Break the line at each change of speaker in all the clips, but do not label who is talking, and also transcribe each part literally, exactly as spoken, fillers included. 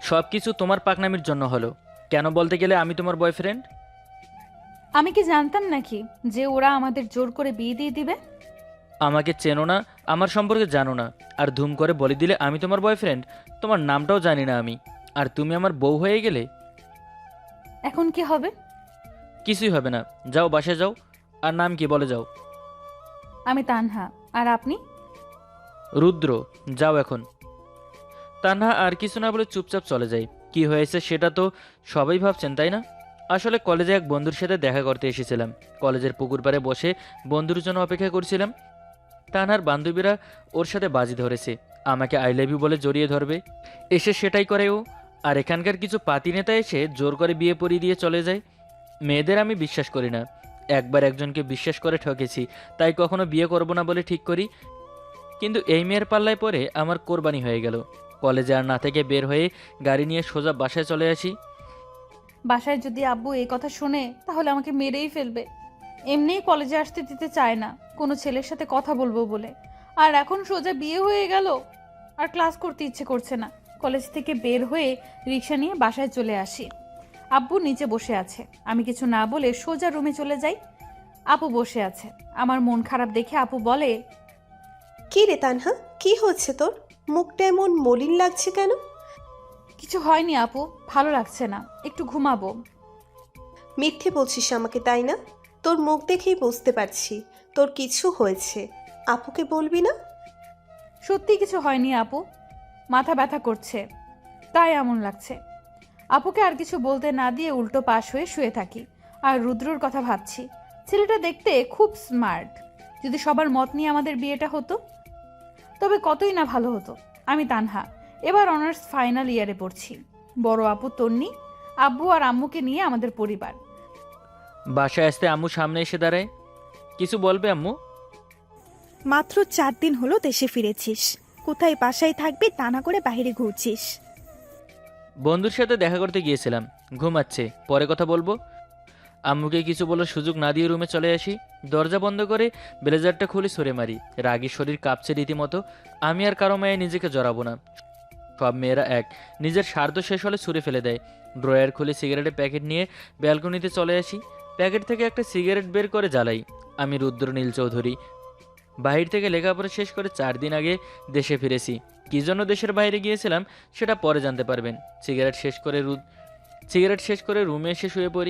সব কিছু তোমার পাকনামির জন্য হলো। কেন বলতে গেলে আমি তোমার বয়ফ্রেন্ড।
আমি কি জানতাম নাকি যে ওরা আমাদের জোর করে বিয়ে দিয়ে দিবে?
আমাকে চেনো না, আমার সম্পর্কে জানো না, আর ধুম করে বলে দিলে আমি তোমার বয়ফ্রেন্ড। তোমার নামটাও জানি না আমি, আর তুমি আমার বউ হয়ে গেলে।
এখন কি হবে?
কিছুই হবে না, যাও বাসায় যাও। আর নাম কি বলে যাও?
আমি তানহা। আর আপনি?
রুদ্র। যাও এখন। তানহা আর কিছু না বলে চুপচাপ চলে যায়। কি হয়েছে সেটা তো সবাই ভাবছেন, তাই না? আসলে কলেজে এক বন্ধুর সাথে দেখা করতে এসেছিলাম। কলেজের পুকুর পাড়ে বসে বন্ধুর জন্য অপেক্ষা করছিলাম। তানহার বান্ধবীরা ওর সাথে বাজি ধরেছে, আমাকে আই লাভ ইউ বলে জড়িয়ে ধরবে। এসে সেটাই করে ও। আর এখানকার কিছু পাতি নেতা এসে জোর করে বিয়ে পড়িয়ে দিয়ে চলে যায়। মেয়েদের আমি বিশ্বাস করি না। একবার একজনকে বিশ্বাস করে ঠকেছি, তাই কখনো বিয়ে করব না বলে ঠিক করি। কিন্তু এই মেয়ের পাল্লায় পরে আমার কোরবানি হয়ে গেল। কলেজে আর না থেকে বের হয়ে গাড়ি নিয়ে সোজা বাসায় চলে আসি।
বাসায় যদি আব্বু এই কথা শোনে তাহলে আমাকে মেরেই ফেলবে। এমনিই কলেজে আসতে দিতে চায় না কোনো ছেলের সাথে কথা বলবো বলে, আর এখন সোজা বিয়ে হয়ে গেল। আর ক্লাস করতে ইচ্ছে করছে না। কলেজ থেকে বের হয়ে রিক্সা নিয়ে বাসায় চলে আসি। আব্বু নিচে বসে আছে। আমি কিছু না বলে সোজা রুমে চলে যাই। আপু বসে আছে। আমার মন খারাপ দেখে আপু বলে,
কি রে তানহা, কি হচ্ছে তোর? মুখটা এমন মলিন লাগছে কেন?
কিছু হয়নি আপু, ভালো লাগছে না, একটু ঘুমাবো।
মিথ্যে বলছিস আমাকে, তাই না? তোর মুখ দেখেই বুঝতে পারছি তোর কিছু হয়েছে। আপুকে বলবি না?
সত্যি কিছু হয়নি আপু, মাথা ব্যথা করছে তাই এমন লাগছে। আপুকে আর কিছু বলতে না দিয়ে উল্টো পাশ হয়ে শুয়ে থাকি আর রুদ্রর কথা ভাবছি। ছেলেটা দেখতে খুব স্মার্ট। যদি সবার মত নিয়ে আমাদের বিয়েটা হতো তবে কতই না ভালো হতো। আমি তানহা, এবার অনার্স ফাইনাল ইয়ারে পড়ছি। বড় আপু তন্নি, আব্বু আর আম্মুকে নিয়ে আমাদের পরিবার।
বাসায় আসতে আম্মু সামনে এসে দাঁড়ায়। কিছু বলবে আম্মু?
মাত্র চার দিন হলো দেশে ফিরেছিস, কোথায় বাসায় থাকবি তা না করে বাইরে ঘুরছিস।
বন্ধুর সাথে দেখা করতে গিয়েছিলাম, ঘুমাচ্ছে, পরে কথা বলবো। আম্মুকে কিছু বলার সুযোগ না দিয়ে রুমে চলে আসি। দরজা বন্ধ করে ব্লেজারটা খুলে সরে মারি। রাগী শরীর কাঁপছে রীতিমতো। আমি আর কারো মায়ে নিজেকে জড়াবো না। সব মেয়েরা এক, নিজের স্বার্থ শেষ হলে ছুঁড়ে ফেলে দেয়। ড্রয়ার খুলে সিগারেটের প্যাকেট নিয়ে ব্যালকনিতে চলে আসি। প্যাকেট থেকে একটা সিগারেট বের করে জ্বালাই। আমি রুদ্র নীল চৌধুরী। বাহির থেকে লেখাপড়া শেষ করে চার দিন আগে দেশে ফিরেছি। কী জন্য দেশের বাইরে গিয়েছিলাম সেটা পরে জানতে পারবেন। সিগারেট শেষ করে রুদ সিগারেট শেষ করে রুমে এসে শুয়ে পড়ি।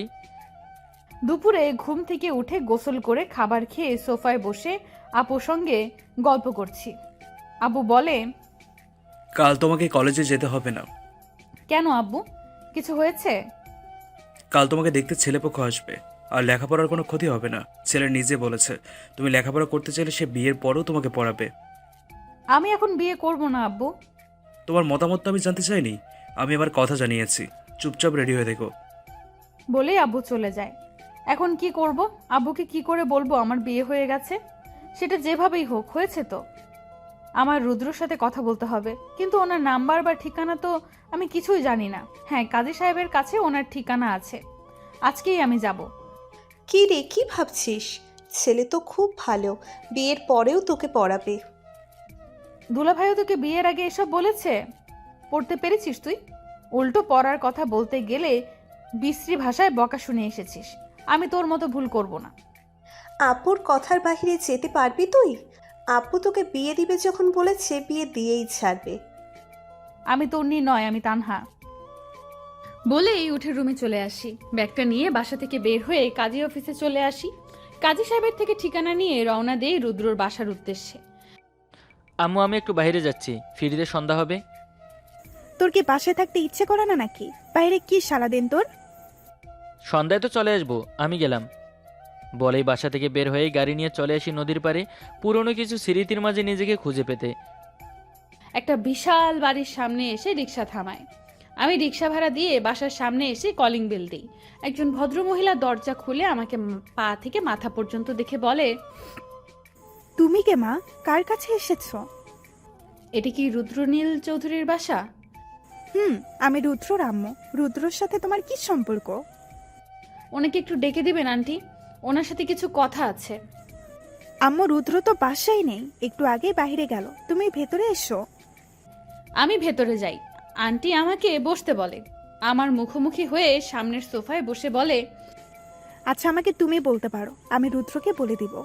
দুপুরে ঘুম থেকে উঠে গোসল করে খাবার খেয়ে সোফায় বসে আপুর সঙ্গে গল্প করছি। আব্বু বলে,
কাল তোমাকে কলেজে যেতে হবে না।
কেন আব্বু, কিছু হয়েছে?
কাল তোমাকে দেখতে ছেলেপক্ষ আসবে, আর লেখাপড়ার কোনো ক্ষতি হবে না। ছেলে নিজে বলেছে তুমি লেখাপড়া করতে চাইলে সে বিয়ের পরেও তোমাকে পড়াবে।
আমি এখন বিয়ে করব না আব্বু।
তোমার মতামত তো আমি জানতে চাইনি, আমি এবার কথা জানিয়েছি। চুপচাপ রেডি হয়ে দেখো।
বলেই আব্বু চলে যায়। এখন কি করব? আব্বুকে কি করে বলবো আমার বিয়ে হয়ে গেছে? সেটা যেভাবেই হোক হয়েছে তো। আমার রুদ্রর সাথে কথা বলতে হবে, কিন্তু ওনার নাম্বার বা ঠিকানা তো আমি কিছুই জানি না। হ্যাঁ, কাজী সাহেবের কাছে ওনার ঠিকানা আছে। আজকেই আমি যাব।
কি রে, কি ভাবছিস? ছেলে তো খুব ভালো, বিয়ের পরেও তোকে পড়াবে।
দুলাভাইও তোকে বিয়ের আগে এসব বলেছে? পড়তে পেরেছিস তুই? উল্টো পড়ার কথা বলতে গেলে বিশ্রী ভাষায় বকা শুনে এসেছিস। আমি তোর মতো ভুল করব না।
আপুর কথার বাহিরে যেতে পারবি তুই? আপু তোকে বিয়ে দিবে যখন বলেছে, বিয়ে দিয়েই ছাড়বে।
আমি তন্নি নয়, আমি তানহা। বলেই উঠে রুমে চলে আসি। ব্যাগটা নিয়ে বাসা থেকে বের হয়ে কাজী অফিসে চলে আসি। কাজী সাহেবের থেকে ঠিকানা নিয়ে রওনা দেই রুদ্রর বাসার উদ্দেশ্যে।
আম্মু আমি একটু বাইরে যাচ্ছি, ফিরিতে সন্ধ্যা হবে।
তোর কি বাসায় থাকতে ইচ্ছে করে না নাকি? বাইরে কি সারাদিন তোর?
সন্ধ্যায় তো চলে আসবো, আমি গেলাম। বলেই বাসা থেকে বের হয়ে গাড়ি নিয়ে চলে আসি নদীর পাড়ে, পুরনো কিছু স্মৃতির মাঝে নিজেকে খুঁজে পেতে।
একটা বিশাল বাড়ির সামনে এসে রিক্সা থামায়। আমি রিক্সা ভাড়া দিয়ে বাসার সামনে এসে কলিং বেল দিই। একজন ভদ্রমহিলা দরজা খুলে আমাকে পা থেকে মাথা পর্যন্ত দেখে বলে,
তুমি কে মা, কার কাছে এসেছো?
এটি কি রুদ্রনীল চৌধুরীর বাসা?
হুম, আমি রুদ্রর আম্মু। রুদ্রর সাথে তোমার কি সম্পর্ক?
ওনাকে একটু ডেকে দিবেন আন্টি, ওনার সাথে কিছু কথা আছে।
আম্মু, রুদ্র তো বাসায় নেই, একটু আগে বাইরে গেল, তুমি ভেতরে এসো।
আমি ভেতরে যাই। আন্টি আমাকে বসতে বলে। আমার মুখোমুখি হয়ে সামনের সোফায় বসে বলে,
আচ্ছা আমাকে তুমি বলতে পারো, আমি রুদ্রকে বলে দিব।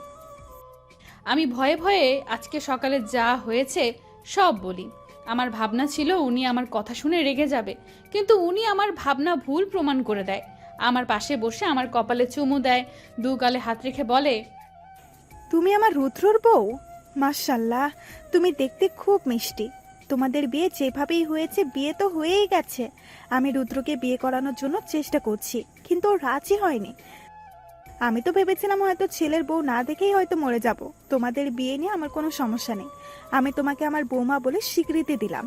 আমি ভয়ে ভয়ে আজকে সকালে যা হয়েছে সব বলি। আমার ভাবনা ছিল উনি আমার কথা শুনে রেগে যাবে, কিন্তু উনি আমার ভাবনা ভুল প্রমাণ করে দেয়। আমার পাশে বসে আমার কপালে চুমু দেয়, দু গালে হাত রেখে বলে,
তুমি আমার রুদ্রর বউ? মাশাল্লাহ, তুমি দেখতে খুব মিষ্টি। তোমাদের বিয়ে যেভাবেই হয়েছে, বিয়ে তো হয়েই গেছে। আমি রুদ্রকে বিয়ে করানোর জন্য চেষ্টা করছি, কিন্তু ও রাজি হয়নি। আমি তো ভেবেছিলাম হয়তো ছেলের বউ না দেখেই হয়তো মরে যাব। তোমাদের বিয়ে নিয়ে আমার কোনো সমস্যা নেই, আমি তোমাকে আমার বৌমা বলে স্বীকৃতি দিলাম।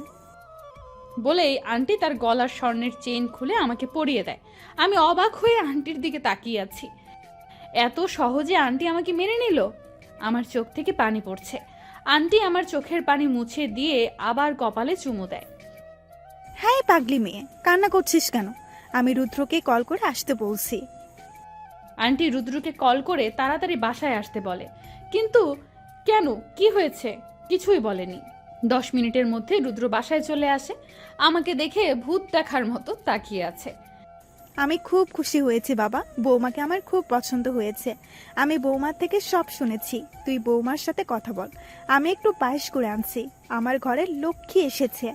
বলেই আন্টি তার গলার স্বর্ণের চেইন খুলে আমাকে পরিয়ে দেয়। আমি অবাক হয়ে আন্টির দিকে তাকিয়ে আছি। এত সহজে আন্টি আমাকে মেনে নিল? আমার চোখ থেকে পানি পড়ছে। আন্টি আমার চোখের পানি মুছে দিয়ে আবার কপালে চুমু দেয়।
হ্যাঁ পাগলি মেয়ে, কান্না করছিস কেন? আমি রুদ্রকে কল করে আসতে বলছি।
আন্টি রুদ্রকে কল করে তাড়াতাড়ি বাসায় আসতে বলে, কিন্তু কেন, কি হয়েছে কিছুই বলেনি। দশ মিনিটের মধ্যে রুদ্র বাসায় চলে আসে। আমাকে দেখে ভূত দেখার মতো তাকিয়ে আছে।
আমি খুব খুশি হয়েছি বাবা, বৌমাকে আমার খুব পছন্দ হয়েছে। আমি বৌমার থেকে সব শুনেছি, তুই বৌমার সাথে কথা বল। আমি একটু পায়েস করে আনছি, আমার ঘরে লক্ষ্মী এসেছে।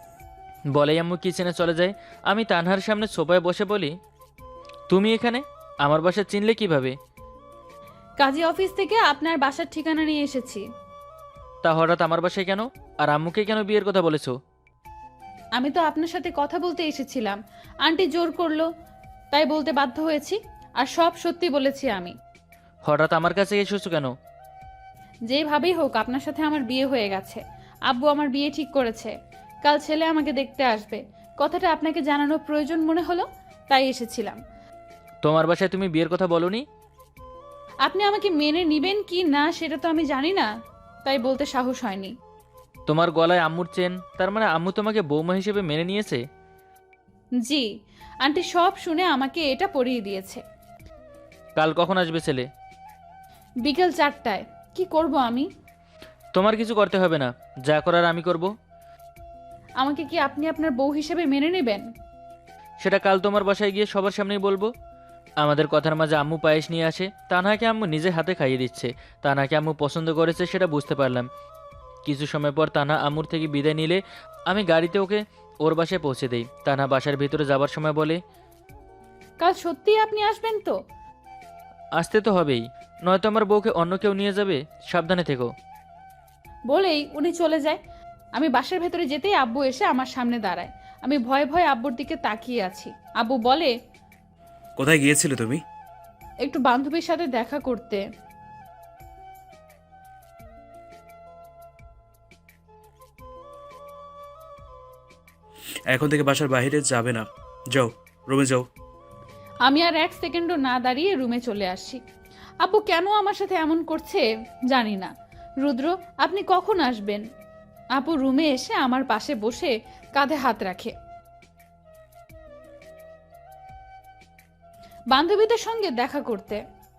বলেই আম্মু কিচেনে চলে যায়। আমি তানহার সামনে সোফায় বসে বলি, তুমি এখানে? আমার বাসা চিনলে কিভাবে?
কাজী অফিস থেকে আপনার বাসার ঠিকানা নিয়ে এসেছি।
তা হঠাৎ আমার বাসায় কেন? আর আম্মুকে কেন বিয়ের কথা বলেছো?
আমি তো আপনার সাথে কথা বলতে এসেছিলাম, আন্টি জোর করলো তাই বলতে বাধ্য হয়েছি। আর সব সত্যি বলেছি আমি।
হঠাৎ আমার কাছে এসেছো কেন?
যেভাবেই হোক আপনার সাথে আমার বিয়ে হয়ে গেছে। আব্বু আমার বিয়ে ঠিক করেছে। কাল ছেলে আমাকে দেখতে আসবে। কথাটা আপনাকে জানানোর প্রয়োজন মনে হলো, তাই এসেছিলাম।
তোমার বাসায় তুমি বিয়ের কথা বলোনি?
আপনি আমাকে মেনে নিবেন কি না সেটা তো আমি জানি না, তাই বলতে সাহস হয়নি।
তোমার গলায় আম্মুর চেন, তার মানে আম্মু তোমাকে বৌমা হিসেবে মেনে নিয়েছে?
জি, আন্টি সব শুনে আমাকে এটা পরিয়ে দিয়েছে।
কাল কখন আসবে ছেলে?
বিকেল চারটায়। কি করব আমি?
তোমার কিছু করতে হবে না, যা করার আমি করব।
আমাকে কি আপনি আপনার বউ হিসেবে মেনে নেবেন?
সেটা কাল তোমার বাসায় গিয়ে সবার সামনেই বলবো। আমাদের কথার মাঝে আম্মু পায়েস নিয়ে আসে, তানহাকে আম্মু নিজে হাতে খাইয়ে দিচ্ছে। তানহাকে আম্মু পছন্দ করেছে সেটা বুঝতে পারলাম। কিছু সময় পর তানহা আম্মুর থেকে বিদায় নিলে আমি গাড়িতে ওকে ওর বাসায় পৌঁছে দেই। তানহা বাসার ভিতরে যাবার সময় বলে,
কাল সত্যিই আপনি আসবেন তো?
আসতে তো হবেই, নয়তো আমার বউকে অন্য কেউ নিয়ে যাবে, সাবধানে থেকো।
বলেই উনি চলে যায়। আমি বাসার ভেতরে যেতেই আব্বু এসে আমার সামনে দাঁড়ায়। আমি ভয়ে ভয়ে আব্বুর দিকে তাকিয়ে আছি। আব্বু বলে,
কোথায় গিয়েছিলে তুমি?
একটু বান্ধবীর সাথে দেখা করতে।
এখন থেকে বাসার বাইরে যাবে না, যাও রুমে যাও।
আমি আর এক সেকেন্ডও না দাঁড়িয়ে রুমে চলে আসি। আব্বু কেন আমার সাথে এমন করছে জানি না। রুদ্র, আপনি কখন আসবেন? আপু রুমে এসে আমার পাশে বসে কাঁধে হাত রাখে। বান্ধবীদের সঙ্গে দেখা করতে।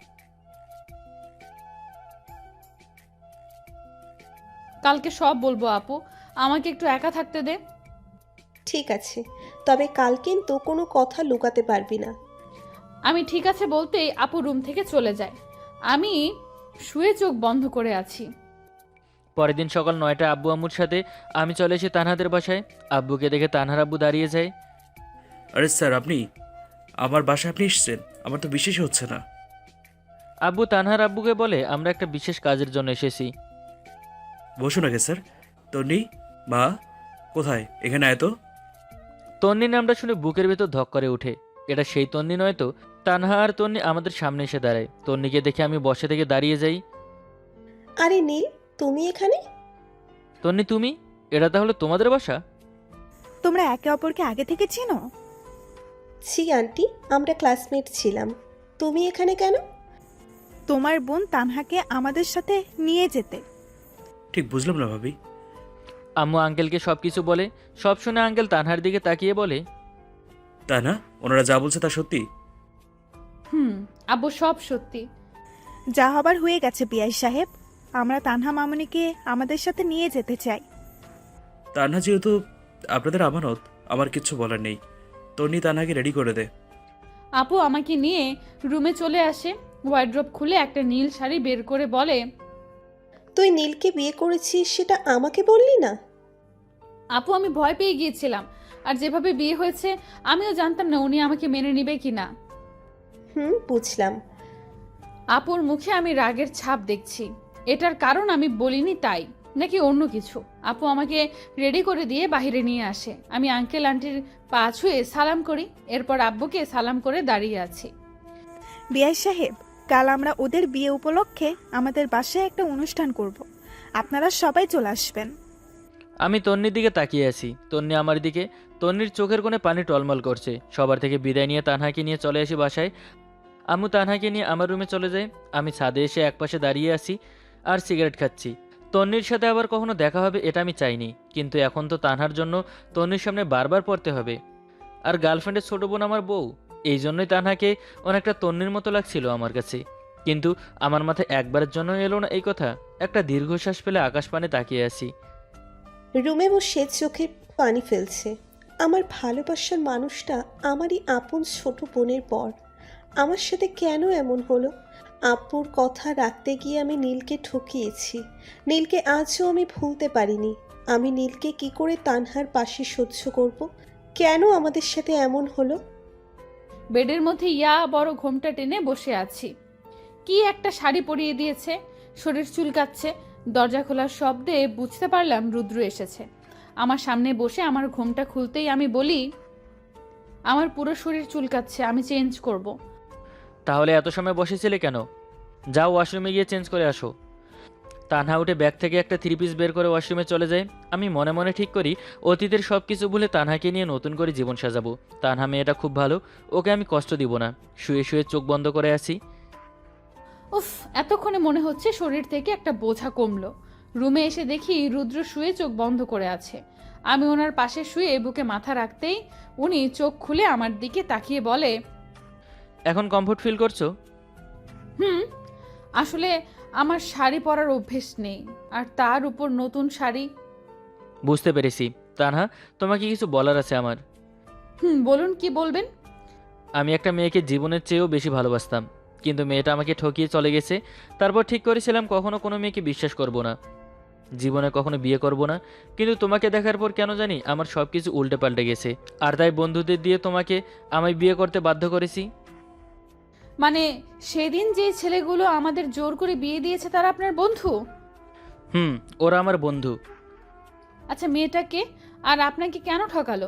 কালকে সব বলবো আপু, আমাকে একটু একা থাকতে দে।
ঠিক আছে, তবে কাল কিন্তু কোনো কথা লুকাতে পারবি না।
আমি ঠিক আছে বলতেই আপু রুম থেকে চলে যায়। আমি শুয়ে চোখ বন্ধ করে আছি।
পরের দিন সকাল নয়টা আব্বু আম্মুর সাথে আমি চলে এসে তানহাদের বাসায়। আব্বুকে দেখে তানহার আব্বু দাঁড়িয়ে যায়।
আরে স্যার, আপনি আমার বাসায় আপনি এসেছেন? আমার তো বিশ্বাস হচ্ছে না।
আব্বু তানহার আব্বুকে বলে, আমরা একটা বিশেষ কাজের জন্য এসেছি।
বসুন আগে স্যার। তন্নি, মা কোথায়? এখানে আয় তো।
তন্নি নামটা শুনে বুকের ভেতর ধক করে ওঠে। এটা সেই তন্নি নয় তো? তানহা আর তন্নি আমাদের সামনে এসে দাঁড়ায়। তন্নিকে দেখে আমি বসে থেকে দাঁড়িয়ে যাই।
আরে নীল, তুমি এখানে?
তন্নি তুমি? এটা তাহলে তোমাদের বাসা?
তোমরা একে অপরকে আগে থেকে চিনো?
ছি আন্টি, আমরা ক্লাসমেট ছিলাম। তুমি এখানে কেন?
তোমার বোন তানহাকে আমাদের সাথে নিয়ে যেতে।
ঠিক বুঝলাম না ভাবি।
আম্মু আঙ্কেলকে সব কিছু বলে। সব শুনে আঙ্কেল তানহার দিকে তাকিয়ে বলে,
তা না, ওনারা যা বলছে তা সত্যি?
হুম, আব্বু সব সত্যি।
যা হবার হয়ে গেছে পিয়াই সাহেব, আমরা তানহা মামুনিকে আমাদের সাথে নিয়ে যেতে চাই।
তা না, যেহেতু আপনাদের আমানত, আমার কিচ্ছু বলার নেই। তন্নি তানহাকে রেডি করে দে।
আপু আমাকে নিয়ে রুমে চলে আসে, ওয়ার্ড্রপ খুলে একটা নীল শাড়ি বের করে বলে,
তুই নীলকে বিয়ে করেছিস সেটা আমাকে বললি না?
আপু আমি ভয় পেয়ে গিয়েছিলাম, আর যেভাবে বিয়ে হয়েছে আমিও জানতাম না উনি আমাকে মেনে নেবে কিনা।
হুম, বুঝলাম।
আপুর মুখে আমি রাগের ছাপ দেখছি। এটার কারণ আমি বলিনি তাই, নাকি অন্য কিছু? আপু আমাকে রেডি করে দিয়ে বাইরে নিয়ে আসে। আমি আঙ্কেল আন্টির পা ছুঁয়ে সালাম করি, এরপর আব্বুকে সালাম করে দাঁড়িয়ে আছি।
বিআই সাহেব, কাল আমরা ওদের বিয়ে উপলক্ষে আমাদের বাসায় একটা অনুষ্ঠান করব। আপনারা সবাই চলে আসবেন।
আমি তন্নির দিকে তাকিয়ে আছি, তন্নি আমার দিকে। তন্নির চোখের কোণে পানি টলমল করছে। সবার থেকে বিদায় নিয়ে তানহাকে নিয়ে চলে আসি বাসায়। আম্মু তানহাকে নিয়ে আমার রুমে চলে যায়। আমি ছাদে এসে একপাশে দাঁড়িয়ে আছি আর সিগারেট খাচ্ছি। তন্নির সাথে আবার কখনো দেখা হবে এটা আমি চাইনি, কিন্তু এখন তো তানহার জন্য তন্নির সামনে বারবার পড়তে হবে। আর গার্লফ্রেন্ডের ছোটো বোন আমার বউ, এই জন্যই তানহাকে অনেকটা তন্নির মতো লাগছিল আমার কাছে। কিন্তু আমার মাথায় একবারের জন্য এলো না এই কথা। একটা দীর্ঘশ্বাস ফেলে আকাশ পানে তাকিয়ে আছি।
রুমে বসে চোখে পানি ফেলছে। আমার ভালোবাসার মানুষটা আমারই আপন ছোট বোনের পর আমার সাথে কেন এমন হলো? আপুর কথা রাখতে গিয়ে আমি নীলকে ঠকিয়েছি। নীলকে আজও আমি ভুলতে পারিনি। আমি নীলকে কি করে তানহার পাশে সহ্য করব? কেন আমাদের সাথে এমন হলো?
বেডের মধ্যে ইয়া বড় ঘোমটা টেনে বসে আছি। কি একটা শাড়ি পরিয়ে দিয়েছে, শরীর চুলকাচ্ছে। দরজা খোলার শব্দে বুঝতে পারলাম রুদ্র এসেছে। আমার সামনে বসে আমার ঘোমটা খুলতেই আমি বলি, আমার পুরো শরীর চুলকাচ্ছে, আমি চেঞ্জ করব।
তাহলে এত সময় বসেছিলে কেন? যাও ওয়াশরুমে গিয়ে চেঞ্জ করে আসো। তানহা উঠে ব্যাগ থেকে একটা থ্রি পিস বের করে ওয়াশরুমে চলে যায়। আমি মনে মনে ঠিক করি অতীতের সব কিছু ভুলে তানহাকে নিয়ে নতুন করে জীবন সাজাবো। তানহা মেয়েটা খুব ভালো, ওকে আমি কষ্ট দিব না। শুয়ে শুয়ে চোখ বন্ধ করে আছি।
উফ, এতক্ষণে মনে হচ্ছে শরীর থেকে একটা বোঝা কমলো। রুমে এসে দেখি রুদ্র শুয়ে চোখ বন্ধ করে আছে। আমি ওনার পাশে শুয়ে বুকে মাথা রাখতেই উনি চোখ খুলে আমার দিকে তাকিয়ে বলে,
এখন কমফোর্ট ফিল করছো?
হুম, আসলে আমার শাড়ি পরার অভ্যেস নেই, আর তার উপর নতুন শাড়ি।
বুঝতে পেরেছি। তানহা, তোমাকে কিছু বলার আছে আমার।
হুম, বলুন, কি বলবেন?
আমি একটা মেয়েকে জীবনের চেয়েও বেশি ভালোবাসতাম, কিন্তু মেয়েটা আমাকে ঠকিয়ে চলে গেছে। তারপর ঠিক করেছিলাম কখনো কোনো মেয়েকে বিশ্বাস করব না, জীবনে কখনো বিয়ে করব না। কিন্তু তোমাকে দেখার পর কেন জানি আমার সব কিছু উল্টে পাল্টে গেছে। আর তাই বন্ধুদের দিয়ে তোমাকে আমায় বিয়ে করতে বাধ্য করেছি।
মানে সেদিন যে ছেলেগুলো আমাদের জোর করে বিয়ে দিয়েছে তারা আপনার বন্ধু?
হুম, ওরা আমার বন্ধু।
আচ্ছা, মেয়েটাকে আর আপনাকে কেন ঠকালো?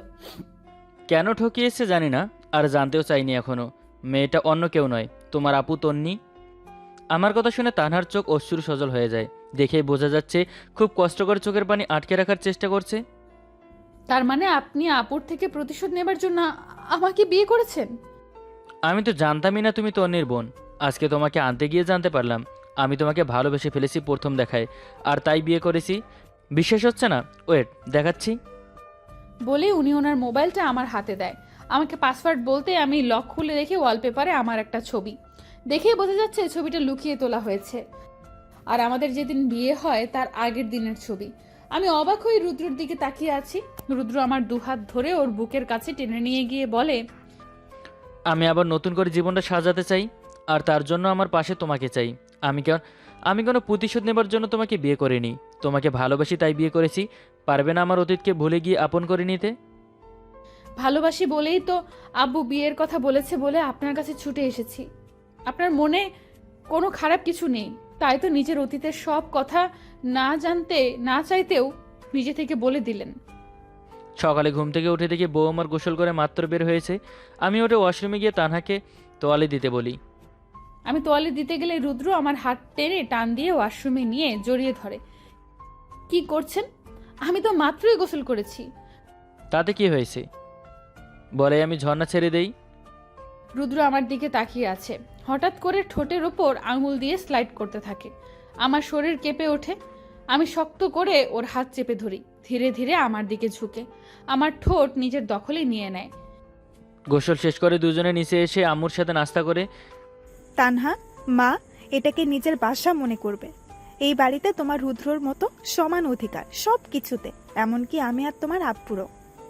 কেন ঠকিয়েছে জানি না, আর জানতেও চাইনি এখনো। মেয়েটা অন্য কেউ নয়, তোমার আপু তন্নি। আমার কথা শুনে তানহার চোখ অশ্রু সজল হয়ে যায়। দেখেই বোঝা যাচ্ছে খুব কষ্ট করে চোখের পানি আটকে রাখার চেষ্টা করছে।
তার মানে আপনি আপুর থেকে প্রতিশোধ নেবার জন্য আমাকে বিয়ে করেছেন?
আমি তো জানতামই না তুমি তন্নির বোন। আজকে তোমাকে আনতে গিয়ে জানতে পারলাম আমি তোমাকে ভালোবেসে ফেলেছি প্রথম দেখায়, আর তাই বিয়ে করেছি। বিশ্বাস হচ্ছে না? ওয়েট, দেখাচ্ছি।
বলে উনি ওনার মোবাইলটা আমার হাতে দেয়। আমাকে পাসওয়ার্ড বলতে আমি লক খুলে দেখি ওয়ালপেপারে আমার একটা ছবি। দেখেই বোঝা যাচ্ছে ছবিটা লুকিয়ে তোলা হয়েছে, আর আমাদের যেদিন বিয়ে হয় তার আগের দিনের ছবি। আমি অবাক হয়ে রুদ্রর দিকে তাকিয়ে আছি। রুদ্র আমার দুহাত ধরে ওর বুকের কাছে টেনে নিয়ে গিয়ে বলে,
আমি আবার নতুন করে জীবনটা সাজাতে চাই, আর তার জন্য আমার পাশে তোমাকে চাই। আমি কেন আমি কোনো প্রতিশোধ নেবার জন্য তোমাকে বিয়ে করিনি। তোমাকে ভালোবাসি তাই বিয়ে করেছি। পারবে না আমার অতীতকে ভুলে গিয়ে আপন করে নিতে?
ভালোবাসি বলেই তো আব্বু বিয়ের কথা বলেছে বলে আপনার কাছে ছুটে এসেছি। আপনার মনে কোনো খারাপ কিছু নেই, তাই তো নিজের অতীতের সব কথা না জানতে না চাইতেও নিজে থেকে বলে দিলেন।
সকালে ঘুম থেকে উঠে দেখি বউ আমার গোসল করে মাত্র বের হয়েছে। আমি ওটা ওয়াশরুমে গিয়ে তানহাকে তোয়ালে দিতে বলি।
আমি তোয়ালে দিতে গেলে রুদ্র আমার হাত টেনে টান দিয়ে ওয়াশরুমে নিয়ে জড়িয়ে ধরে। কি করছেন? আমি তো মাত্রই গোসল করেছি।
তাতে কি হয়েছে? বলে আমি ঝর্ণা ছেড়ে দেই।
রুদ্র আমার দিকে তাকিয়ে আছে। হঠাৎ করে ঠোঁটের ওপর আঙুল দিয়ে স্লাইড করতে থাকে। আমার শরীর কেঁপে ওঠে। আমি শক্ত করে ওর হাত চেপে ধরি। ধীরে ধীরে আমার দিকে ঝুঁকে আমার ঠোঁট নিজের দখলে নিয়ে নেয়।
গোসল শেষ করে দুজনে নিচে এসে আম্মুর সাথে নাস্তা করে।
তানহা, মা এটাকে নিজের বাসা মনে করবে। এই বাড়িতে তোমার রুদ্রর মতো সমান অধিকার সব কিছুতে, এমনকি আমি আর তোমার আব্বুরও।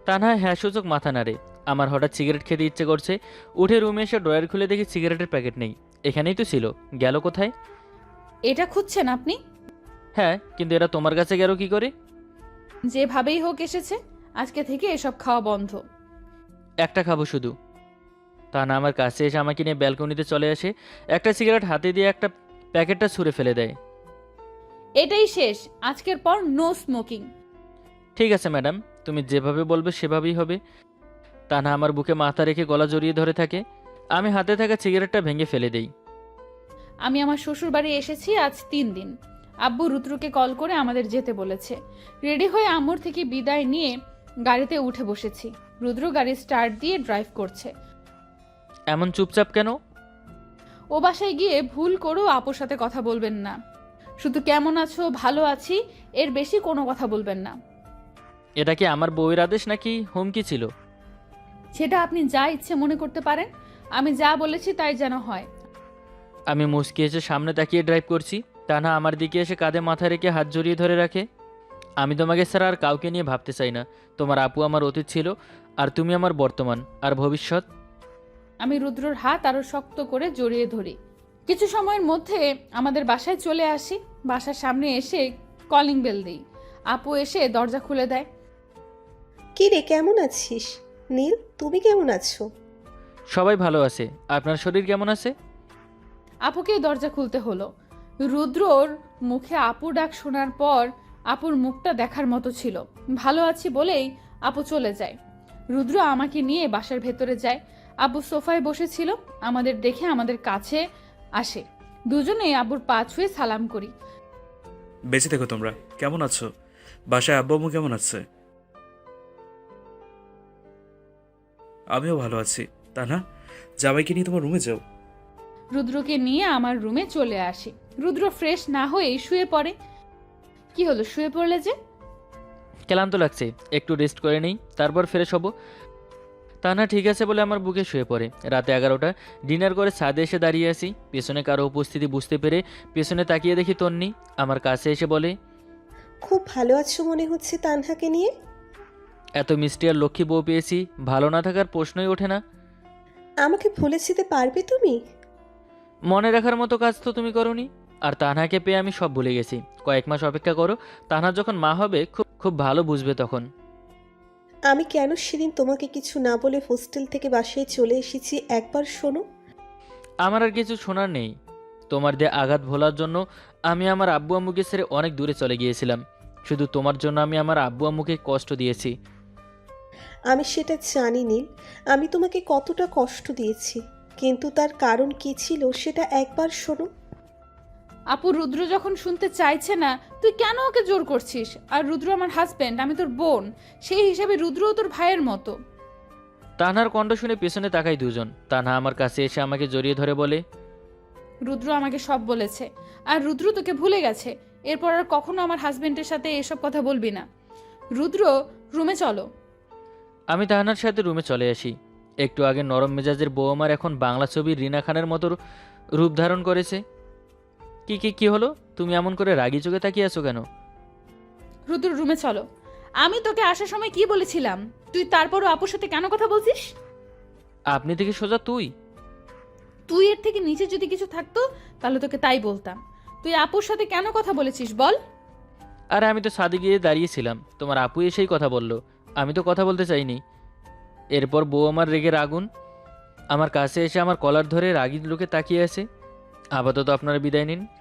তানহা হ্যাঁ সূচক মাথা নাড়ে। আমার হঠাৎ সিগারেট খেতে ইচ্ছে করছে। উঠে রুমে এসে ড্রয়ার খুলে দেখি সিগারেটের প্যাকেট নেই। এখানেই তো ছিল, গেল কোথায়?
এটা খুঁজছেন আপনি?
হ্যাঁ, কিন্তু এটা তোমার কাছে গেল কি করে?
যেভাবেই হোক এসেছে। আজকে থেকে এসব খাওয়া বন্ধ।
একটা খাবো শুধু। তানহা আমার কাছে এসে আমাকে নিয়ে ব্যালকনিতে চলে আসে। একটা সিগারেট হাতে দিয়ে একটা প্যাকেটটা ছুঁড়ে ফেলে দেয়।
এটাই শেষ, আজকের পর নো স্মোকিং।
ঠিক আছে ম্যাডাম, তুমি যেভাবে বলবে সেভাবেই হবে। তানহা আমার বুকে মাথা রেখে গলা জড়িয়ে ধরে থাকে। আমি হাতে থাকা সিগারেটটা ভেঙে ফেলে দেই।
আমি আমার শ্বশুর বাড়ি এসেছি আজ তিন দিন। আব্বু রুদ্রকে কল করে আমাদের যেতে বলেছে। রেডি হয়ে আম্মুর থেকে বিদায় নিয়ে গাড়িতে উঠে বসেছি। রুদ্র গাড়ি স্টার্ট দিয়ে ড্রাইভ করছে।
এমন চুপচাপ কেন?
ও বাসায় গিয়ে ভুল করেও আপুর সাথে কথা বলবেন না। শুধু কেমন আছো, ভালো আছি, এর বেশি কোনো কথা বলবেন না।
এটা কি আমার বউয়ের আদেশ নাকি হুমকি ছিল?
সেটা আপনি যা ইচ্ছে মনে করতে পারেন। আমি যা বলেছি তাই যেন হয়।
আমি মুচকি এসে সামনে তাকিয়ে ড্রাইভ করছি। তানহা আমার দিকে এসে কাঁধে মাথা রেখে হাত জড়িয়ে ধরে রাখে। আমি তোমাকে ছাড়া আর কাউকে নিয়ে ভাবতে চাই না। তোমার আপু আমার অতীত ছিল, আর তুমি আমার বর্তমান আর ভবিষ্যৎ।
আমি রুদ্রর হাত আরো শক্ত করে জড়িয়ে ধরি। কিছু সময়ের মধ্যে আমাদের বাসায় চলে আসি। বাসার সামনে এসে কলিং বেল দিই। আপু এসে দরজা খুলে দেয়।
কি রে, কেমন আছিস? নীল, তুমি কেমন আছো?
সবাই ভালো আছে। আপনার শরীর কেমন আছে?
আপুকে দরজা খুলতে হলো। রুদ্রর মুখে আপু ডাক শোনার পর আপুর মুখটা দেখার মতো ছিল। ভালো আছি বলেই আপু চলে যায়। রুদ্র আমাকে নিয়ে বাসার ভেতরে যায়। আপু সোফায় বসেছিল। আমাদের দেখে আমাদের কাছে আসে। দুজনে আবুর পা ছুঁয়ে সালাম করি।
বেঁচে থেকো তোমরা। কেমন আছো? বাসায় আব্বু আম্মু কেমন আছে? আমিও ভালো আছি। তা না, জামাইকে নিয়ে তোমার রুমে যাও।
রুদ্রকে নিয়ে আমার রুমে চলে আসি। রুদ্র ফ্রেশ না হয়েই শুয়ে পড়ে। কি হলো, শুয়ে পড়লে যে?
ক্লান্ত লাগছে, একটু রেস্ট করে নেই, তারপর ফ্রেশ হব। তা না, ঠিক আছে বলে আমার বুকে শুয়ে পড়ে। রাতে এগারোটা, ডিনার করে ছাদে এসে দাঁড়িয়ে আসি। পেছনে কারো উপস্থিতি বুঝতে পেরে পেছনে তাকিয়ে দেখি তন্নি আমার কাছে এসে বলে,
খুব ভালো আছো মনে হচ্ছে তানহাকে নিয়ে।
এত মিষ্টি আর লক্ষ্মী বউ পেয়েছি, ভালো না থাকার প্রশ্নই ওঠে না।
আমাকে ভুলে যেতে পারবে তুমি?
মনে রাখার মতো কাজ তো তুমি করোনি। আর তানহাকে পেয়ে আমি সব ভুলে গেছি। কয়েক মাস অপেক্ষা করো, তানহা যখন মা হবে খুব খুব ভালো বুঝবে তখন।
আমি কেন সেদিন তোমাকে কিছু না বলে হোস্টেল থেকে বাসায় চলে এসেছি একবার শোনো।
আমার আর কিছু শোনার নেই। তোমার দিয়ে আঘাত ভোলার জন্য আমি আমার আব্বু আম্মুকে ছেড়ে অনেক দূরে চলে গিয়েছিলাম। শুধু তোমার জন্য আমি আমার আব্বু আম্মুকে কষ্ট দিয়েছি।
আমি সেটা জানি নীল, আমি তোমাকে কতটা কষ্ট দিয়েছি, কিন্তু তার কারণ কি ছিল সেটা একবার শোনো।
আপু, রুদ্র যখন শুনতে চাইছে না তুই কেন ওকে জোর করছিস? আর রুদ্র আমার হাজবেন্ড, আমি তোর বোন। সেই হিসাবে রুদ্রও তোর ভাইয়ের মতো।
তানহার কণ্ঠ শুনে পেছনে তাকাই দুজন। তানহা আমার কাছে এসে আমাকে জড়িয়ে ধরে বলে,
রুদ্র আমাকে সব বলেছে। আর রুদ্র তোকে ভুলে গেছে। এরপর আর কখনো আমার হাজবেন্ডের সাথে এসব কথা বলবি না। রুদ্র, রুমে চলো।
আমি তাহানার সাথে রুমে চলে আসি। একটু আগে নরম মেজাজের বউ আমার এখন বাংলা ছবির রিনা খানের মতো রূপ ধারণ করেছে। কি কি কি হলো? তুমি এমন করে রাগি চোখে তাকিয়ে আছো কেন?
রুদ্র, রুমে চলো। আমি তোকে আসার সময় কি বলেছিলাম? তুই তারপরও আপুর সাথে কেন কথা বলছিস?
আপনি থেকে সোজা তুই।
তুই এর থেকে নিচে যদি কিছু থাকতো তাহলে তোকে তাই বলতাম। তুই আপুর সাথে কেন কথা বলেছিস বল?
আরে আমি তো ছাদে গিয়ে দাঁড়িয়েছিলাম, তোমার আপু এসেই কথা বলল। আমি তো কথা বলতে চাইনি। এরপর বউ আমার রেগে আগুন। আমার কাছে এসে আমার কলার ধরে রাগি লোকে তাকিয়ে আছে। আপাতত আপনারা বিদায় নিন।